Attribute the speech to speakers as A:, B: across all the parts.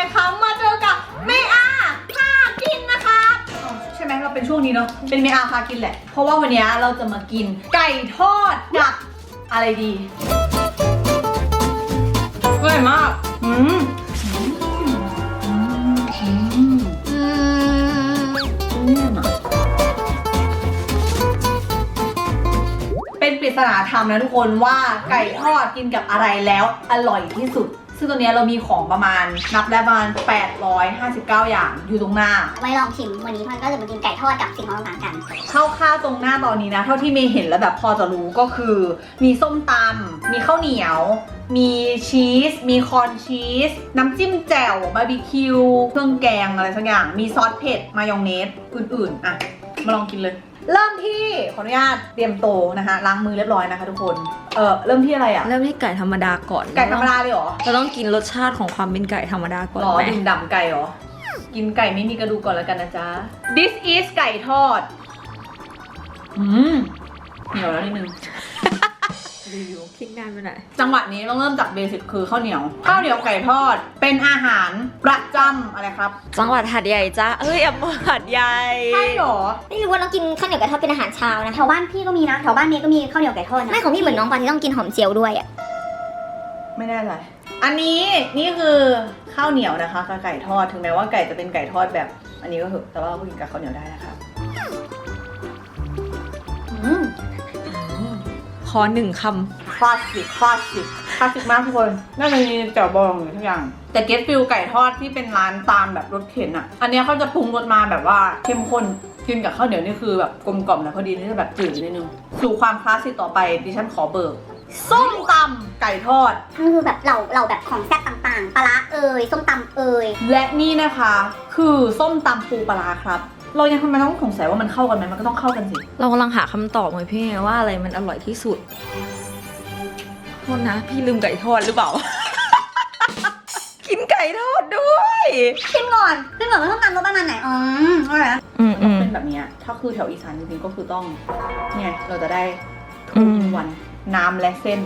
A: คะมาเจอกับเมอาพากินนะคะใช่ไหมเราเป็นช่วงนี้เนาะเป็นเมอาพากินแหละเพราะว่าวันนี้เราจะมากินไก่ทอดกับอะไรดีอร่อยมากเป็นปริศนาธรรมนะทุกคนว่าไก่ทอดกินกับอะไรแล้วอร่อยที่สุดซึ่งตัวนี้เรามีของประมาณนับได้ประมาณ859อย่างอยู่ตรงหน้า
B: ไว้ลองชิมวันนี้มันก็จะมากินไก่ทอดกับสิ่งของต่างๆกัน
A: ข้าวตรงหน้าตอนนี้นะเท่าที่เมย์เห็นแล้วแบบพอจะรู้ก็คือมีส้มตำมีข้าวเหนียวมีชีสมีคอนชีสน้ำจิ้มแจ่วบาร์บีคิวเครื่องแกงอะไรสักอย่างมีซอสเผ็ดมายองเนสอื่นๆอ่ะมาลองกินเลยเริ่มที่ขออนุญาตเตรียมโตนะคะล้างมือเรียบร้อยนะคะทุกคนเริ่มที่อะไรอ่ะ
C: เริ่มที่ไก่ธรรมดาก่อน
A: ไก่ธรรมดาเลยเหรอ
C: เราต้องกินรสชาติของความเป็นไก่ธรรมดาก่อน
A: หรอ
C: ไหม
A: ดื่มด่ำไก่เหรอกินไก่ไม่มีกระดูกก่อนแล้วกันนะจ๊ะ This is ไก่ทอดเหนียวแล้วนิดนึงรีวิว
C: คลิกนานไปหน่อย
A: จังหวะนี้ต้องเริ่มจากเบสิกคือข้าวเหนียวไก่ทอดเป็นอาหารประจำอะไรครับ
C: จังหวัดหาดใหญ่จ้าอำเภอหาดใหญ่
A: ใช่หรอ
B: ไม่รู้ว่าน้องกินข้าวเหนียวไก่ทอดเป็นอาหารเช้านะแถวบ้านพี่ก็มีนะแถวบ้านเมย์ก็มีข้าวเหนียวไก่ทอดนะไม่ของพี่เหมือนน้องปานที่ต้องกินหอมเจียวด้วยอ่ะ
A: ไม่แน่ใจอันนี้นี่คือข้าวเหนียวนะคะกับไก่ทอดถึงแม้ว่าไก่จะเป็นไก่ทอดแบบอันนี้ก็เถอะแต่ว่าก็กินกับข้าวเหนียวได้นะคะ
C: ขอหนึ่งค
A: ำคลาสสิกมากทุกคนน่าจะมีแจ่วบองอยู่ทุกอย่างแต่เกสฟิลไก่ทอดที่เป็นร้านตามแบบรสเข็นอ่ะอันนี้เขาจะปรุงรสมาแบบว่าเข้มข้นกินกับข้าวเหนียวนี่คือแบบกลมกล่อมนะพอดีนี่จะแบบจืดนิดนึงสู่ความคลาสสิกต่อไปดิฉันขอเบิกส้มตำไก่ทอด
B: มันคือแบบเราแบบของแซ่บต่างๆปลาร้าส้มตำ
A: และนี่นะคะคือส้มตำปูปลาครับเรายังทำไมต้องสงสัยว่ามันเข้ากันไหมมันก็ต้องเข้ากันสิ
C: เรากำลังหาคำตอบเลยพี่ว่าอะไรมันอร่อยที่สุดโทษนะพี่ลืมไก่ทอดหรือเปล่า กินไก่ทอดด้วย
B: ชิมก่อนว่าส้มตำรสประมาณไหนอะไรนะ
A: เป็นแบบนี้ถ้าคือแถวอีสานจริงๆก็คือต้องเนี่ยเราจะได้ทุกวันน้ำและเส้น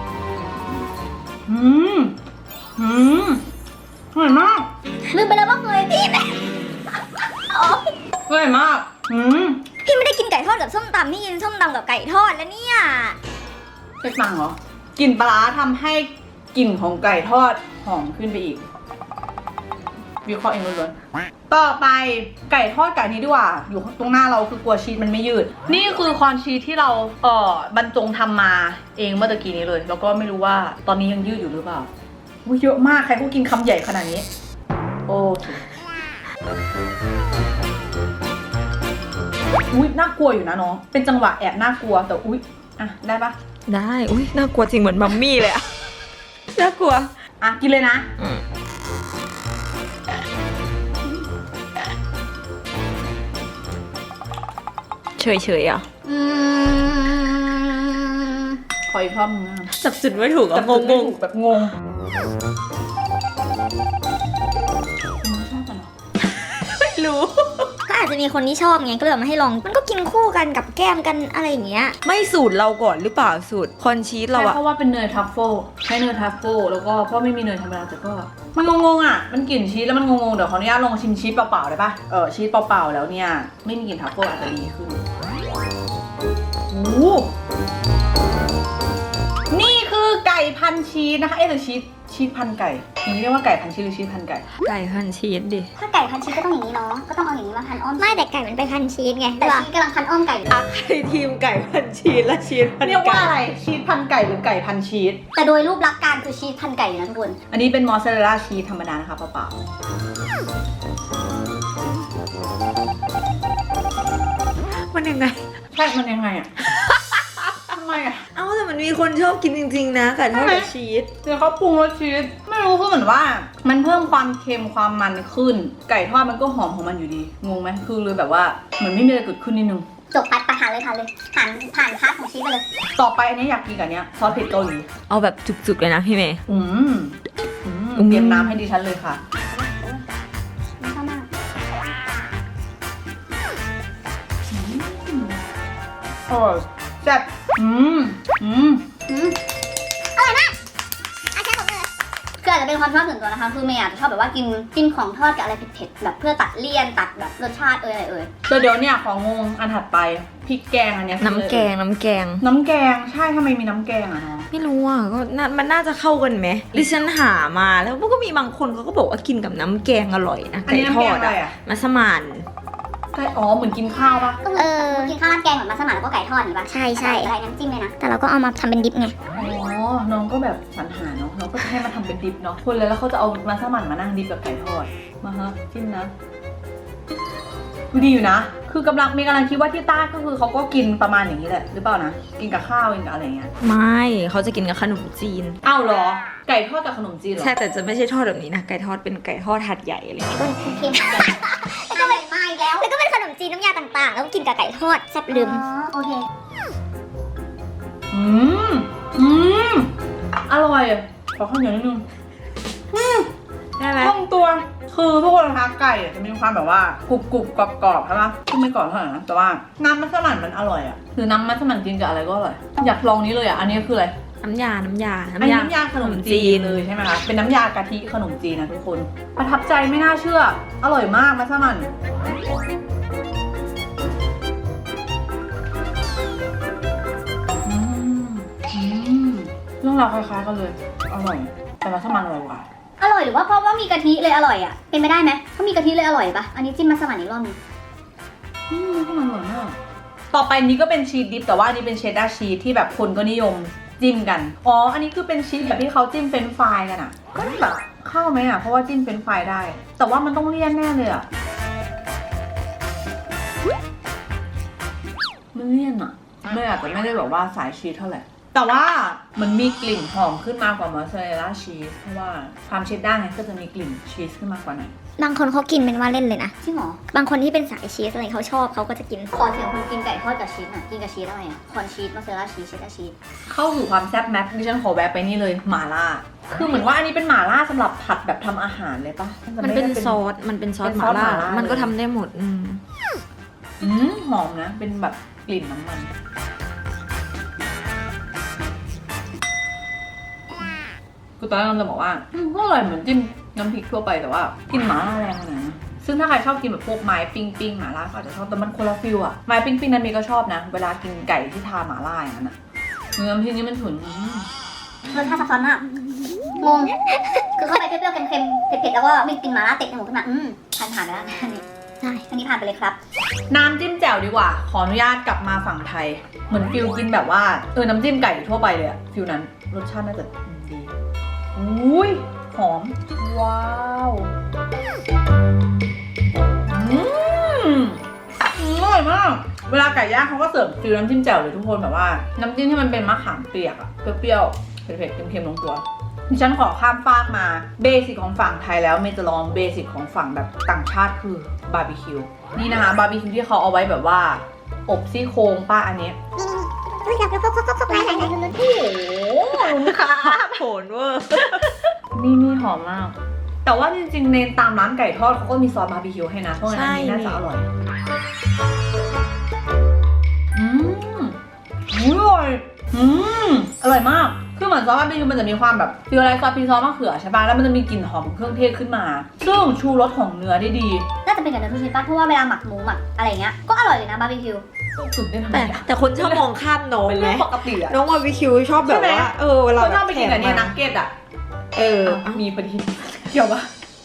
A: อร่อยมาก
B: ลืมไปแล้วว่าเคยพี่แม่
A: อร่อยมาก
B: พี่ไม่ได้กินไก่ทอดกับส้มตำพี่กินส้มตำกับไก่ทอดแล้วเนี่ย
A: เป็ดปังเหรอกลิ่นปลาทำให้กลิ่นของไก่ทอดหอมขึ้นไปอีกวิเคราะห์เองล้วนๆต่อไปไก่ทอดกับนี้ดีกว่าอยู่ตรงหน้าเราคือกลัวชีสมันไม่ยืดนี่คือคอนชีสที่เราบรรจงทำมาเองเมื่อตะกี้นี้เลยแล้วก็ไม่รู้ว่าตอนนี้ยังยืดอยู่หรือเปล่าเยอะมากใครเขากินคำใหญ่ขนาดนี้โอเคอุ๊ยน่ากลัวอยู่นะน้องเป็นจังหวะแอบน่ากลัวแต่อุ๊ยอ่ะได้ปะ
C: ได้อุ๊ยน่ากลัวจริงเหมือนมัมมี่เลยอะน่ากลัว
A: อ่ะกินเลยนะ
C: เฉยๆอ่ะ
A: ขออีกรอบนึงนะ
C: จับจุดไม่ถูกอ่ะงง
A: แบบงง
C: ไม่รู้
B: ก็อาจจะมีคนที่ชอบไงก็เลยมาให้ลองมันก็กินคู่กันกับแก้มกันอะไรอย่างเงี้ย
C: ไม่สูตรเราก่อนหรือเปล่าสูตรคอนชีสเราอะ
A: เพราะว่าเป็นเนยทัฟเฟิลใช้เนยทัฟเฟิลแล้วก็เพราะไม่มีเนยธรรมดาแต่ก็มันงงๆอ่ะมันกลิ่นชีสแล้วมันงงๆเดี๋ยวขออนุญาตลองชิมชีสเปล่าๆได้ปะชีสเปล่าๆแล้วเนี่ยไม่มีกลิ่นทัฟเฟิลอาจจะดีขึ้นโอ้นี่คือไก่พันชีสนะคะหรือชีสพันไก่อย่างนี้เรียกว่าไก่พันชีสหรือชีสพันไก่
C: ไก่พันชีสดิ
B: ถ้าไก่พันชีสก็ต้องอย่างนี้เนาะก็ต้องเอาอย่างนี้มาพันอ้อมไม่แต่ไก่มันไปพันชีสไงแต่ชีสกำลังพันอ้อมไก่
C: อ่ะใครทีมไก่พันชีสและชีสพันไก่
A: เรียกว่าอะไรชีสพันไก่หรือไก่พันชีส
B: แต่โดยรูปลักษณ์การคือชีสพันไก่นะทุกคน
A: อันนี้เป็นมอสซาเรลล่าชีสธรรมดานะคะเปล่า
C: ๆมันยังไง
A: ใช่มันยังไงอ่ะทำไมอ่ะ
C: แต่มันมีคนชอบกินจริงๆนะไก่ทอดกับชีส
A: เดี๋ยวเขาปรุงรสชีสไม่รู้คือเหมือนว่ามันเพิ่มความเค็มความมันขึ้นไก่ทอดมันก็หอมของมันอยู่ดีงงไหมคือเลยแบบว่าเหมือนไม่มีอะไรเกิดขึ้นนิดนึง
B: จบไปทานเลยผ่านพาร์ทของชีสไปเลย
A: ต่อไปอันนี้อยากกินกับเนี้ยซอสเผ็ดเกาหลี
C: เอาแบบจุกๆเลยนะพี่เมย์
A: เตรียมน้ำให้ดิฉันเลยค่ะโอ้แซ่บ
B: อร่อยมากอาจารย์ผมเลยคืออาจจะเป็นความชอบส่วนตัวนะคะคือเมย์อาจจะชอบแบบว่ากินของทอดกับอะไรเผ็ดๆแบบเพื่อตัดเลี่ยนตัดแบบรสชาติอะไร
A: แต่เดี๋ยวเนี่ยของงงอันถัดไปพริกแกงอันเนี้ย
C: น้ำแกง
A: น้ำแกงใช่ทำไมมีน้ำแกงอะเนาะ
C: ไม่รู้อ่ะก็มันน่าจะเข้ากันไหมดิฉันหามาแล้วก็มีบางคนเขาก็บอกว่ากินกับน้ำแกงอร่อยนะ
A: อัน
C: ไก่
A: นี้
C: ท
A: น้ำแก
C: อง ด
A: อะไร
C: อะ
A: อะ
C: มัสมั่น
A: ใช่อ๋อเหมือนกินข้าวปะ
B: กินข้าวราดแกงเหมือนมัสมั่นแล้วก็ไก่ทอดอย่างนี้ป่ะใช่อะไรน้ำจิ้มเลยนะแต่เราก็เอามาทำเป็นดิปไง
A: อ๋อน้องก็แบบสรรหาเนาะน้องก็จะให้มาทำเป็นดิบเนาะคนเลยแล้วเขาจะเอามาสมั่นมานั่งดิบกับไก่ทอดมาฮะจิ้มนะดูดีอยู่นะคือกำลังคิดว่าที่ใต้ก็คือเขาก็กินประมาณอย่างนี้แหละหรือเปล่านะกินกับข้าวกินกับอะไรอย่างเงี้ย
C: ไม่เขาจะกินกับขนมจีน
A: อ้าวเหรอไก่ทอดกับขนมจีนเหรอ
C: ใช่แต่จะไม่ใช่ทอดแบบนี้นะไก่ทอดเป็นไก่ทอดหัดใหญ่อะไรอย่างเงี้ย
B: เค็มแล้วก็เป็นมาอีกแล้วแล้วก็เป็นขนมจีนน้ำยาต่างๆแล้วก็กินกับไก่ทอดแซ่บลืมโอเค
A: อร่อยขอข้าวเหนียวนิดนึง
C: ได้ไหม
A: ต้องตัวคือทุกคนนะคะไก่จะมีความแบบว่ากรุบกรอบใช่ปะคือไม่กรอบเท่าไหร่นะแต่ว่าน้ำมัสมั่นมันอร่อยอ่ะหรือน้ำมัสมั่นกินกับอะไรก็อร่อยอยากลองนี้เลยอ่ะอันนี้คืออะไร
C: น้ำยา
A: อันนี้น้ำยาขนมจีนเลยใช่ไหมคะเป็นน้ำยากะทิขนมจีนนะทุกคนประทับใจไม่น่าเชื่ออร่อยมากมัสมั่นเรื่องราวคล้ายๆกันเลยอร่อยแต่มัสมั่นอร่อยกว่า
B: อร่อยหรือว่าเพราะว่ามีกะทิเลยอร่อยอ่ะเป็นไปได้ไหมถ้ามีกะทิเลยอร่อยปะอันนี้จิ้มมัสมั่นอีกรอบนึง
A: มัสมั่นอร่อยมากต่อไปนี้ก็เป็นชีสดิปแต่ว่าอันนี้เป็นเชดดาร์ชีสที่แบบคนก็นิยมจิ้มกันอ๋ออันนี้คือเป็นชีสแบบที่เขาจิ้มเฟรนช์ฟรายกันอ่ะก็แบบเข้าไหมอ่ะเพราะว่าจิ้มเฟรนช์ฟรายได้แต่ว่ามันต้องเลี่ยนแน่เลยอ่ะมันเลี่ยนอ่ะไม่อาจจะไม่ได้แบบว่าสายชีสเท่าไหร่แต่ว่ามันมีกลิ่นหอมขึ้นมากกว่ามอสซาเรลล่าชีสเพราะว่าความเชดดาร์ไงก็จะมีกลิ่นชีสขึ้นมากกว่าหน่อย
B: บางคนเขากินเป็นว่าเล่นเลยนะจริงเหรอบางคนที่เป็นสายชีสอะไรเขาชอบเขาก็จะกินขอเสียงคนกินไก่ทอดกับชีสหน่อยกินกับชีสอะไรอ่ะคอนชีสมอสซาเรลล่าชีสเชดดาร์ชีส
A: เข้าสู่ความแซ่บแม็กดิฉันขอแวะไปนี่เลยหม่าล่าคือเหมือนว่าอันนี้เป็นหม่าล่าสำหรับผัดแบบทำอาหารเลยปะ
C: มันเป็นซอสมันเป็นซอสหม่าล่ามันก็ทำได้หมด
A: หอมนะเป็นแบบกลิ่นน้ำมันคือตอนแรกเราจะบอกว่าก็อร่อยเหมือนจิ้มน้ำพริกทั่วไปแต่ว่ากลิ่นหม่าล่าแรงขนาดนั้นซึ่งถ้าใครชอบกินแบบพวกไม้ปิ้งหม่าล่าก็อาจจะชอบแต่มันคนละฟิลอะไม้ปิ้งนั้นมีก็ชอบนะเวลากินไก่ที่ทาหม่าล่าอย่างนั้นอะเนื้อที่นี่มันฉุน
B: รสชาติซับซ้อนมากงง คือเข้าไปเปรี้ยวๆเค็มๆเผ็ดๆแล้วก็มีกลิ่นหม่าล่าเตะจมูกขึ้นมาผ่านไปแล้วอันนี้ใช่อันนี้ผ่านไปเลยครับ
A: น้ำจิ้มแจ่วดีกว่าขออนุญาตกลับมาฝั่งไทยเหมือนฟิลกินแบบว่าน้ำจิ้มไก่ทั่วไปเลยอะฟิลนั้นรสชาติน่าจะดีอุ้ยหอมว้าวอร่อยมากเวลาไก่ย่างเขาก็เสิร์ฟฟิลน้ำจิ้มแจ่วเลยทุกคนแบบว่าน้ำจิ้มที่มันเป็นมะขามเปียกอะเปรี้ยวๆเผ็ดๆเค็มๆลงตัวดิฉันขอข้ามฟากมาเบสิกของฝั่งไทยแล้วเมย์จะลองเบสิกของฝั่งแบบต่างชาติคือบาร์บีคิวนี่นะคะบาร์บีคิวที่เขาเอาไว้แบบว่าอบซี่โครงป้าอันนี้โอ้โหลุงค่ะ
C: โผนเวอร์
A: นี่หอมมาก แต่ว่าจริงๆในตามร้านไก่ทอดเขาก็มีซอสบาร์บีคิวให้นะเพราะงั้นอันนี้น่าจะอร่อยอร่อยอร่อยมากคือเหมือนซอสบาร์บีคิวมันจะมีความแบบฟิลอะไรซอสพริกซอสมะเขือใช่ป่ะแล้วมันจะมีกลิ่นหอมเครื่องเทศขึ้นมาซึ่งชูรสของเนื้อได้ดี
B: น่าจะเป็นกับเนื้อทุกชนิดป่ะเพราะว่าเวลาหมักหมูหมักอะไรเงี้ยก็อร่อยเลยนะบาร์บีคิว
A: สุดได้ทำไม
C: แต่คนชอบมองข้ามน้อง
A: เป็น
C: ไหม
A: เรื่องปกติอะ
C: น้องบาร์บีคิวชอบแบบว่าเวลา
A: เขา
C: แบ
A: ชอบบ ไปกินกับเนี่ยนักเก็ตอะมีพอดีเกี่ยวปะ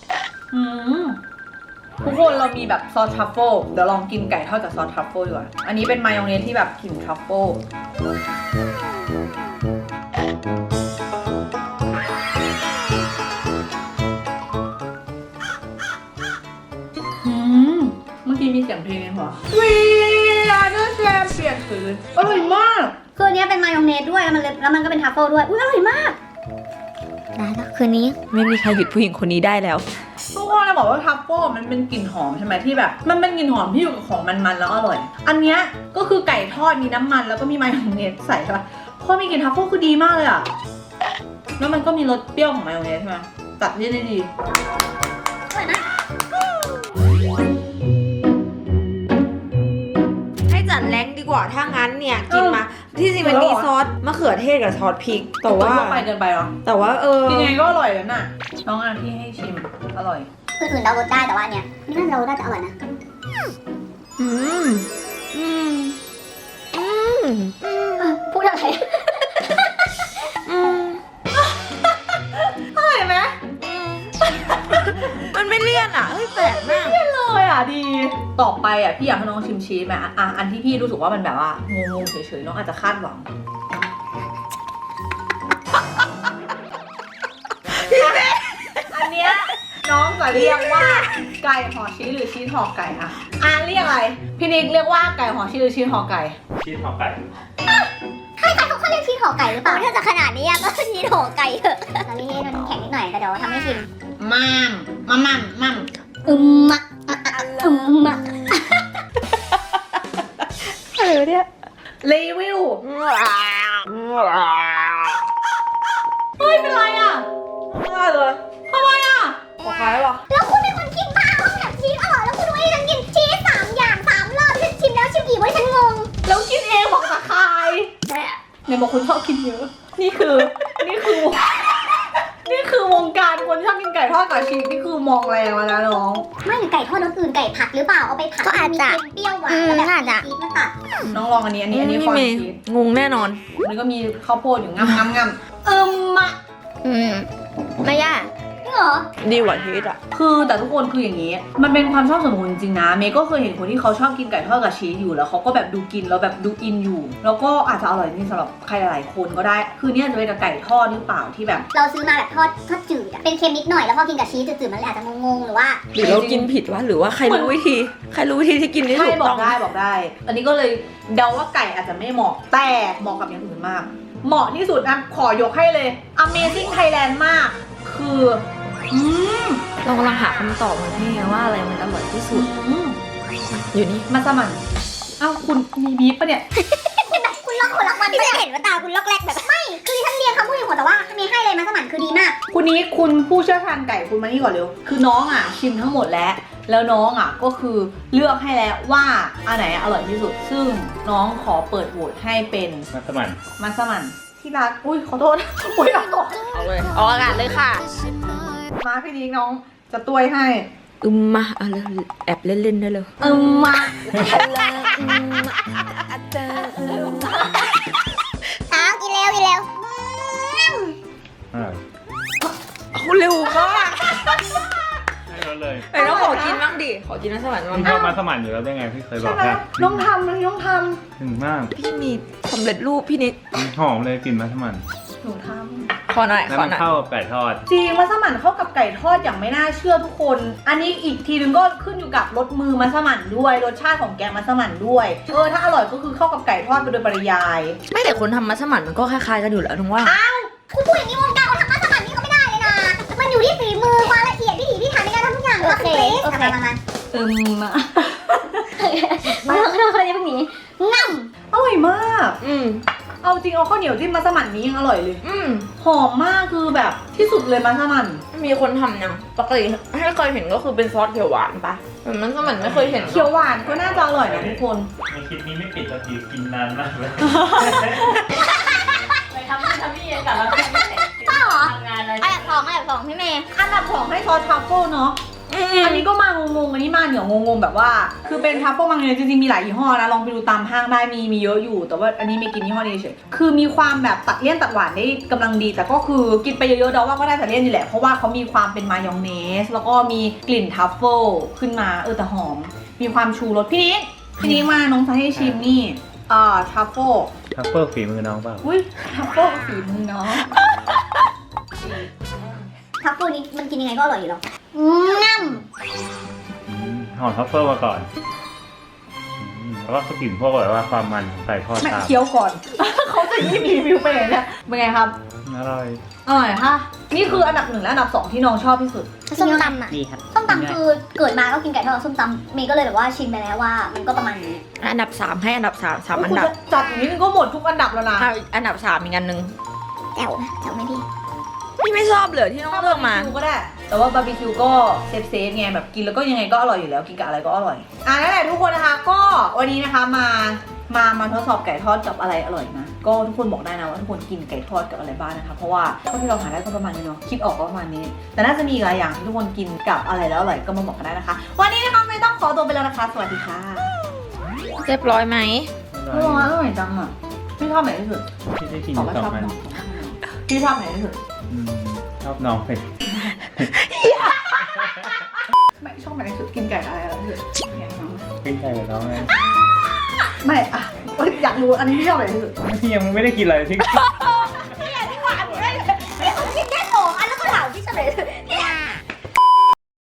A: ทุกคนเรามีแบบซอสทรัฟเฟิลเดี๋ยวลองกินไก่ทอดกับซอสทรัฟเฟิลดีกว่าอันนี้เป็นมายองเนสที่แบบกลิ่นทรัฟเฟิลเมื่อกี้มีเสียงเพลงในหัวWe are the champion คืออร่อยมาก
B: คืออันนี้เป็นมายองเนสด้วยแล้วมันก็เป็นทัฟเฟิลด้วยอุ้ยอร่อยมากได้แล้วคืนนี้
C: ไม่มีใครหยุดผู้หญิงคนนี้ได้แล้ว
A: ทุกคนเราบอกว่าทัฟเฟิลมันเป็นกลิ่นหอมใช่ไหมที่แบบมันเป็นกลิ่นหอมที่อยู่กับของมันๆแล้วอร่อย อันเนี้ยก็คือไก่ทอดมีน้ำมันแล้วก็มีมายองเนสใส่ใช่ปะพอมีกลิ่นทัฟเฟิลคือดีมากเลยอ่ะแล้วมันก็มีรสเปรี้ยวของมายองเนสใช่ไหมตัดเลี่ยนได้ดี
C: ให้จัดแรงดีกว่าถ้างั้นเนี่ยกินมาที่จริงมันมีซอสมะเขือเทศกับซอสพริกแต่ว่า
A: ทั่วไปเกินไปเหรอ
C: แต่ว่า
A: กินยังไงก็อร่อยแล้วน่ะน้องที่ให้ชิมอร่อย
B: อื่นๆเดารสได้แต่ว่าอันเนี้ยนี่น่าจะเดารสได้แต่อร่อยนะ
C: อืมอืมอืม
B: พูดอะไร
C: อืม
A: อร่อยไหม
C: มันไม่เลี่ยนอ่ะเฮ้ยแปลกมาก
A: เลยอ่ะดีต่อไปอ่ะพี่อยากให้น้องชิมชีสไหมอันที่พี่รู้สึกว่ามันแบบว่างงๆเฉยๆน้องอาจจะคาดหวังอันเนี้ยน้องจะเรียกว่าไก่ห่อชีสหรือชีสห่อไก่อะเรียกอะไรพี่นิกเรียกว่าไก่ห่อชีสหรือชีสห่อไก่
D: ชีสห่อไก่
B: ใครๆเขาเรียกชีสห่อไก่หรือเปล่าถ้าจะขนาดนี้ก็ชีสห่อไก่เถอะตอนนี้มันแข็งนิดหน่อยแต่เดี๋ยวทำให้ชิม
A: มั่ม
B: มะมะ
C: อะไรวะเนี่ย
A: รีวิวเฮ้ยเป็นไรอ่ะ
C: ไม่ได้เลย
A: ทำไมอ่ะ
C: ขอคล้ายว่ะ
B: แล้วคุณเป็นคนกินบ้าเขาแบบชีสอร่อยแล้วคุณให้ฉันกินชีส3 อย่าง3 รอบฉันชิมแล้วชิมอีกว่าฉันงง
A: แล้วกินเองบอกตะคายเนี่ยบอกคนชอบกินเยอะ นี่คือวงการคนชอบกินไก่ทอดกับชีสนี่คือมองแรงแล้วนะน้อง
B: ไม่หรือไก่ทอดรสอื่นไก่ผัดหรือเปล่าเอาไปผัด
E: ก็อาจจะ
B: มีเค็มเปรี้ยวหวานแล้วแบบชีสมาตัด
A: น้องลองอันนี้ฟอน
C: เมย์
A: ชีส
C: งงแน่นอน
A: มันก็มีข้าวโพดอยู่งำมะ
E: ไม่ยาก
B: จริงเหรอ
C: ดีกว่าชีสอ่ะ
A: คือแต่ทุกคนคืออย่างนี้ มันเป็นความชอบส่วนบุคคลจริงๆนะเมย์ก็เคยเห็นคนที่เขาชอบกินไก่ทอดกับชีสอยู่แล้วเขาก็แบบดูกินแล้วแบบดูอินอยู่ แล้วก็อาจจะอร่อยจริงสำหรับใครหลายๆคนก็ได้ คือเนี่ยจะเป็นกับไก่ทอดหรือเปล่าที่แบบ
B: เราซื้อมาแบบทอดจืดอะเป็นเค็มนิดหน่อยแล้วพอกินกับชีสจืดๆมันเลยอาจจะงงๆหรือว่า
C: หรือเรากินผิดวะหรือว่าใครรู้วิธีที่กินที่
A: ใช่
C: ถูก
A: บอ
C: ต้
A: ก
C: อง
A: ได้ อันนี้ก็เลยเดาว่าไก่อาจจะไม่เหมาะแต่เหมาะกับอย่างอื่นมาก เหมาะที่สุดนะขอยกให้เลย Amazing Thailand มาก คือ
C: เรากำลังหาคำตอบมาให้ว่าอะไรมันอร่อยที่สุด อยู่นี่
A: มัสมั่นเอ้าคุณมีบีฟปะเนี่ย
B: คุณล็อกคนละวันไม่เห็นว่าตาคุณล็อกแรกแบบไม่คือฉันเรียนคำพูดอยู่แต่ว่ามีให้เลยมัสมั่นคือดีมาก
A: คุณนี้คุณผู้เชี่ยวชาญไก่คุณมานี่ก่อนเร็ว คือน้องอ่ะชิมทั้งหมดแล้วน้องอ่ะก็คือเลือกให้แล้วว่าอันไหนอร่อยที่สุด ซึ่งน้องขอเปิดโหวตให้เป็น
D: มัสมั่น
A: มัสมั่นที่รักอุ้ยขอโทษ อุ้ยเอาก่อน
C: เอาเลยออกอากาศเลยค่ะ
A: มาพี่นิ้งน้องจะต้วยให้
C: มาเอาเลยแอบเล่นๆได้เลย
A: มา
B: กินเร็วกินเร็ว
C: เอาเร็วมาก
D: ให้รสเลย
C: ไอ้น้องขอกินบ้างดิขอกินน้ำสวรรค์บ้าง
D: พี่ชอบมัสมั่นอยู่แล้วได้ไงพี่เคยบ
A: ใช่
D: อก
A: ไหม
D: ค่ะ
A: น้องทำเลยน้องท
D: ถึงมาก
C: พี่มีสำเร็จรูปพี่นิด
D: หอมเลยกลิ่นมัสมั่น
A: ำหนูท
C: ขอหน่อย
D: แล้ว
C: ขอ
D: มัน
C: หน่อย
D: เข้ากับไก่ทอด
A: ำจริงมัสมั่นเข้ากับไก่ทอดอย่างไม่น่าเชื่อทุกคน อันนี้อีกทีนึงก็ขึ้นอยู่กับรสมือมัสมั่นด้วยรสชาติของแกงมัสมั่นด้วยถ้าอร่อยก็คือเข้ากับไก่ทอดไปโดยปริยาย
C: ไม่แต่คนทำมัสมั่นมันก็คล้ายๆกันอยู่แล้วถึงว่า
B: คุณพูดอย่างนี้วงการเขาทำมัสมั่นนี่เขาไม่ได้เลยนะมันอยู่ที่ฝีมือความละเอียดพิถีพิถันในการทำทุกอย่างโอเคมา
A: มา
B: เราจะเป็นหมีง่ำ
A: อร่อยมาก
C: อืม
A: เอาจริงเอาข้าวเหนียวจิ้มมัสมั่นนี้ยังอร่อยเลย
C: อืม
A: หอมมากคือแบบที่สุดเลยมัสมั่น
C: มีคนทำยังปกติให้เคยเห็นก็คือเป็นซอสเขียวหวานปะแต่มันสมันไม่เคยเห็น
A: เขียวหวานก็น่าจะอร่อยนะทุกคน
D: ในคลิปนี้ไม่ปิดสักทีกินนานมากเลย
E: ไปทำพี่เองกับเราไม่เสร็จ
B: ป้าเหรอ
E: ทำงานอะไร
B: อันดับสองพี่เมย์
A: อันดับ2ให้ซอสทรัฟเฟิลเนาะ อันนี้ก็มางงๆ อันนี้มาเหนียวงงๆ แบบว่า คือเป็นทัฟเฟิลมังเนยจริงๆ มีหลายยี่ห้อนะ ลองไปดูตามห้างได้ มีเยอะอยู่ แต่ว่าอันนี้ไม่กินยี่ห้อนี้เฉย คือมีความแบบตัดเลี่ยนตัดหวานได้กำลังดี แต่ก็คือกินไปเยอะๆเดาว่าก็ได้ตัดเลี่ยนอยู่แหละ เพราะว่าเขามีความเป็นมายองเนส แล้วก็มีกลิ่นทัฟเฟิลขึ้นมา แต่หอม มีความชูรสพี่นี้มาน้องจะให้ชิมนี่ทัฟเฟิล
D: ทัฟเฟิลฝีมือน้องเปล่า
A: อุ้ยทัฟเฟิลฝีมือเนาะ
B: ทัฟเฟิลนี้มันกินยังไงก็อร่อยอยู่แล้วง่ำ
D: หอมทัฟเฟิลมาก่อนแล้วก็กลิ่นพวกแบบว่าความมันของไก่ทอด
A: ไม่
D: ตาม
A: เคี้ยวก่อน เขาจะรีวิวไปเลยเนี่ยเป็นไงครับ
D: อร่อย
A: อร่อยค่ะ นี่คืออันดับ1และอันดับ2ที่น้องชอบที่สุด
B: ส้มตำอ่ะ
E: ดีครับ
B: ส้มตำคือเกิดมาก็กินไก่ทอดกับส้มตำเมย์ก็เลยแบบว่าชิมไปแล้วว่ามันก็ประมาณนี้
C: อันดับ3ให้อันดับ3 3อัน
A: คุณ
C: ดับ
A: จะจัดอย่างนี้มันก็หมดทุกอันดับแล้วนะ
C: ถ้าอันดับ3อีกอันหนึ่ง
B: แจ๋วนะแจ๋วไหมพี่
C: พี่ไม่ชอบเลยที่น้องเลือกมา
A: บาร์บีคิวก็ได้ แต่ว่าบาร์บีคิวก็เซฟไงแบบกินแล้วก็ยังไงก็อร่อยอยู่แล้วกินกับอะไรก็อร่อยนั่นแหละทุกคนนะคะก็วันนี้นะคะมามาทดสอบไก่ทอดกับอะไรอร่อยนะก็ทุกคนบอกได้นะว่าทุกคนกินไก่ทอดกับอะไรบ้างนะคะเพราะว่าเท่าที่เราหาได้ก็ประมาณนี้เนาะคิดออกก็ประมาณนี้ แต่น่าจะมีอีกหลายอย่างที่ทุกคนกินกับอะไรแล้วอร่อยก็มาบอกกันได้นะคะ วันนี้นะคะไม่ต้องขอตัวไปแล้วนะคะ สวัสดีค่ะ
C: เรียบร้อยไหม
A: อร่อยจังอ่ะพี่ชอบไหนที่สุด
D: ที่ได้กิน
A: ตอบว่า
D: สอ
A: ชอง บ
D: อัน
A: น้องพี่ชอบไหนที่สุด
D: ชอบน้องเลย
A: ไม่ชอบไหนที่สุดกินไก่อะไรที่สุดอย่างน้อง
D: กินไก่กับน้องไง
A: ไม่อะอยากรู้อันนี้พี่ชอบไหนที่สุด
D: พี่ยังไม่ได้กินอะไรที่